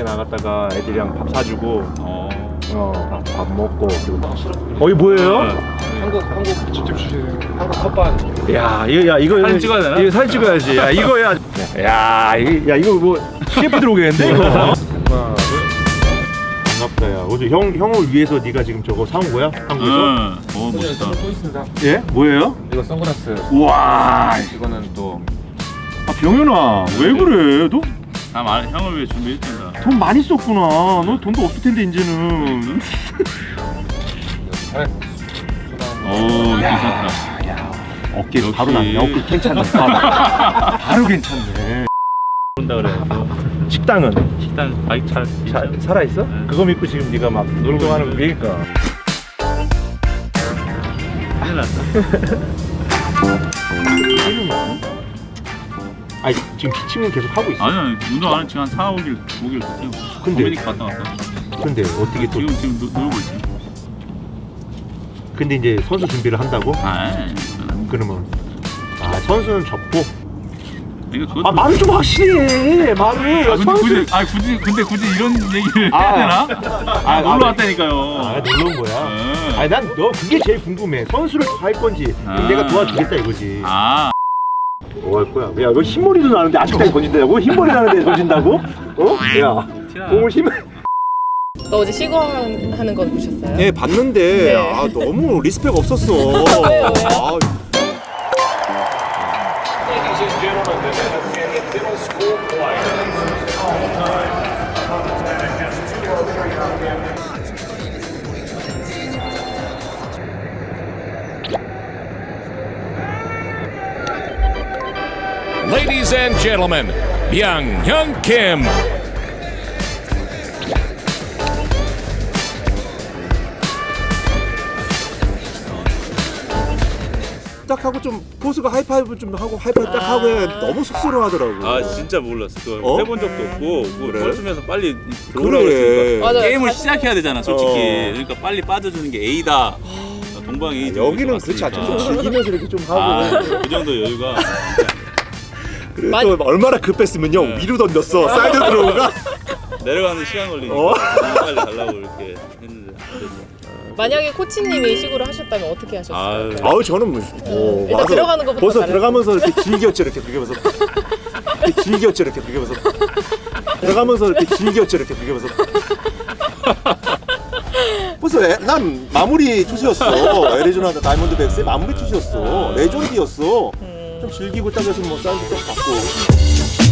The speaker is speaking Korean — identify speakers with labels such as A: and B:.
A: 밖에 나갔다가 애들이랑 밥 사주고 밥 먹고 그리고 이게 뭐예요?
B: 한국 직접 주시는 한국 컵반.
A: 이거
C: 사진 찍어야 되나?
A: 이거 사진 찍어야지. 이거 뭐 CF 들어오겠는데? 하나 둘. 반갑다 야. 어제 형을 위해서 네가 지금 저거 사온 거야? 한국에서?
C: 멋있다.
B: 또 있습니다.
A: 예? 뭐예요?
B: 이거 선글라스.
A: 우와.
B: 이거는 또
A: 병현아 왜 그래? 너
C: 형을 위해 준비했습니다.
A: 돈 많이 썼구나. 너 돈도 없을 텐데 이제는.
B: 잘.
C: 괜찮다.
A: 어깨
C: 역시.
A: 바로 났네. 어깨 괜찮네. 바로 괜찮네.
C: 그런다 그래.
A: 식당은
C: 식당 바이크
A: 살아 있어?
C: 네.
A: 그거 믿고 지금 네가 막 놀고 하는 거니까.
C: 큰일 났다.
A: 아니 지금 기침은 계속 하고 있어.
C: 아니 운동 안 한 지금 한 4, 5일 됐어요.
A: 근데-
C: 도미니카 갔다 왔다.
A: 근데 어떻게 또?
C: 지금 놀고 있지.
A: 근데 이제 선수 준비를 한다고? 그러면 선수는 접고.
C: 이거 그것도
A: 말을 좀 확실히 해. 말을.
C: 근데 굳이 이런 얘기를 해야 되나? 놀러 왔다니까요.
A: 놀러 온 거야.
C: 네.
A: 아니 난 너 그게 제일 궁금해. 선수를 할 건지 그럼 내가 도와주겠다 이거지. 뭐 할 거야? 야, 너 흰머리도 나는데 아직까지 던진다고? 흰머리 나는데 던진다고? 야, 공을 힘.
D: 너 어제 시구하는 건 보셨어요?
A: 네, 봤는데
D: 네.
A: 너무 리스펙 없었어.
D: 왜요?
E: Ladies and gentlemen, Byung-Hyun Kim.
A: 딱 하고 좀 포스가 하이파이브 좀 하고 하이파이브 딱 하고 해. 너무 쑥스러워하더라고.
C: 진짜 몰랐어. 그거
A: 어?
C: 해본 적도 없고
A: 그래?
C: 벌쓰면서 빨리 들어오라고
A: 그래.
C: 했으니까
D: 맞아요.
C: 게임을
D: 다시-
C: 시작해야 되잖아 솔직히. 그러니까 빨리 빠져주는 게 A다. 동방이
A: 여기는 그렇지 않죠. 좀 즐기면서 이렇게 좀 하고.
C: 그 정도 여유가.
A: 그리고 또 얼마나 급했으면요 위로 던졌어. 사이드 들어오가.
C: 내려가는 시간 걸리니까
A: 어?
C: 너무 빨리 가려고 이렇게 했는데 안 됐어.
D: 만약에 코치님이 시구를 하셨다면 어떻게 하셨어요?
A: 아우 저는
D: 일단 들어가는 것부터
A: 벌써
D: 잘했어.
A: 들어가면서 이렇게 즐겼죠 이렇게 비교면서. 이렇게 즐겼죠 이렇게 비교면서. 들어가면서 이렇게 즐겼죠 이렇게 비교면서. 벌써 난 마무리 투수였어. 애리조나 다이몬드백스의 마무리 투수였어. 레전드였어. 좀 즐기고 딱 해서 뭐 사인도 딱 받고.